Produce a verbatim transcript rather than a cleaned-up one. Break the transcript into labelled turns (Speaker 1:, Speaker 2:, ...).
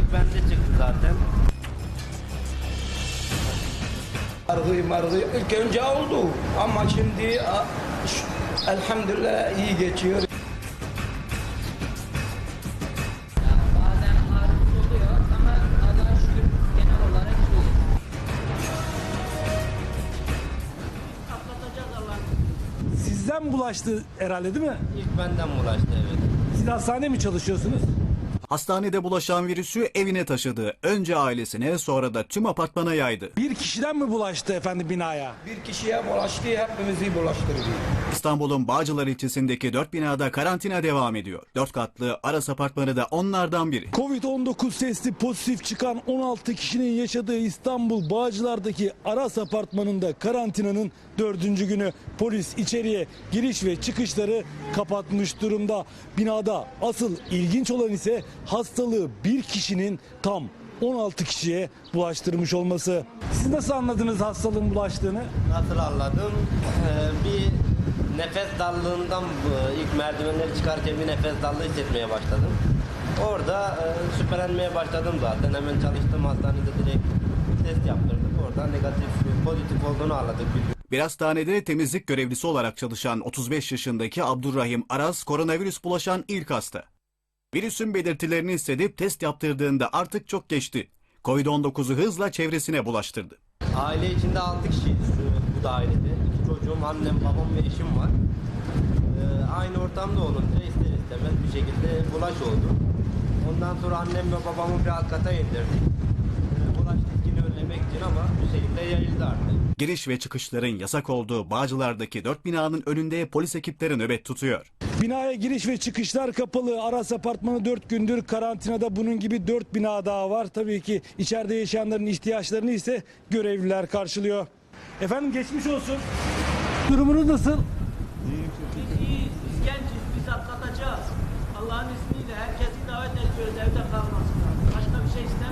Speaker 1: bende çıktı zaten.
Speaker 2: Margı margı ilk önce oldu ama şimdi elhamdülillah iyi geçiyor.
Speaker 3: Bazen ağrımız oluyor ama Allah'a şükür genel olarak iyi. Atlatacağız Allah'ım.
Speaker 4: Sizden bulaştı herhalde değil mi?
Speaker 1: İlk benden bulaştı, evet.
Speaker 4: Siz hastanede mi çalışıyorsunuz?
Speaker 5: Hastanede bulaşan virüsü evine taşıdı. Önce ailesine, sonra da tüm apartmana yaydı.
Speaker 4: Bir kişiden mi bulaştı efendim binaya?
Speaker 2: Bir kişiye bulaştı, hepimizi bulaştırdı.
Speaker 5: İstanbul'un Bağcılar ilçesindeki dört binada karantina devam ediyor. Dört katlı Aras apartmanı da onlardan biri.
Speaker 4: Covid on dokuz testi pozitif çıkan on altı kişinin yaşadığı İstanbul Bağcılar'daki Aras apartmanında karantinanın dördüncü günü. Polis içeriye giriş ve çıkışları kapatmış durumda. Binada asıl ilginç olan ise hastalığı bir kişinin tam on altı kişiye bulaştırmış olması. Siz nasıl anladınız hastalığın bulaştığını?
Speaker 1: Nasıl anladım? Ee, bir nefes darlığından bu- ilk merdivenleri çıkarken bir nefes darlığı hissetmeye başladım. Orada e, şüphelenmeye başladım zaten. Hemen çalıştım hastanede, direkt test yaptırdık. Oradan negatif, pozitif olduğunu anladık.
Speaker 5: Bir hastanede temizlik görevlisi olarak çalışan otuz beş yaşındaki Abdurrahim Aras koronavirüs bulaşan ilk hasta. Virüsün belirtilerini hissedip test yaptırdığında artık çok geçti. Covid on dokuzu hızla çevresine bulaştırdı.
Speaker 1: Aile içinde altı kişiyiz şu, bu dairede. İki çocuğum, annem, babam ve eşim var. Ee, aynı ortamda olunca ister istemez bir şekilde bulaş oldu. Ondan sonra annem ve babamı bir alt kata indirdik. Ee, bulaş riskini önlemek için ama bir şekilde yayıldı artık.
Speaker 5: Giriş ve çıkışların yasak olduğu Bağcılar'daki dört binanın önünde polis ekipleri nöbet tutuyor.
Speaker 4: Binaya giriş ve çıkışlar kapalı. Aras apartmanı dört gündür karantinada, bunun gibi dört bina daha var. Tabii ki içeride yaşayanların ihtiyaçlarını ise görevliler karşılıyor. Efendim geçmiş olsun. Durumunuz nasıl?
Speaker 3: Biz iyiyiz, biz genciz, biz atlatacağız. Allah'ın izniyle herkesi davet ediyoruz evde kalmasınlar. Başka bir şey istemiyoruz.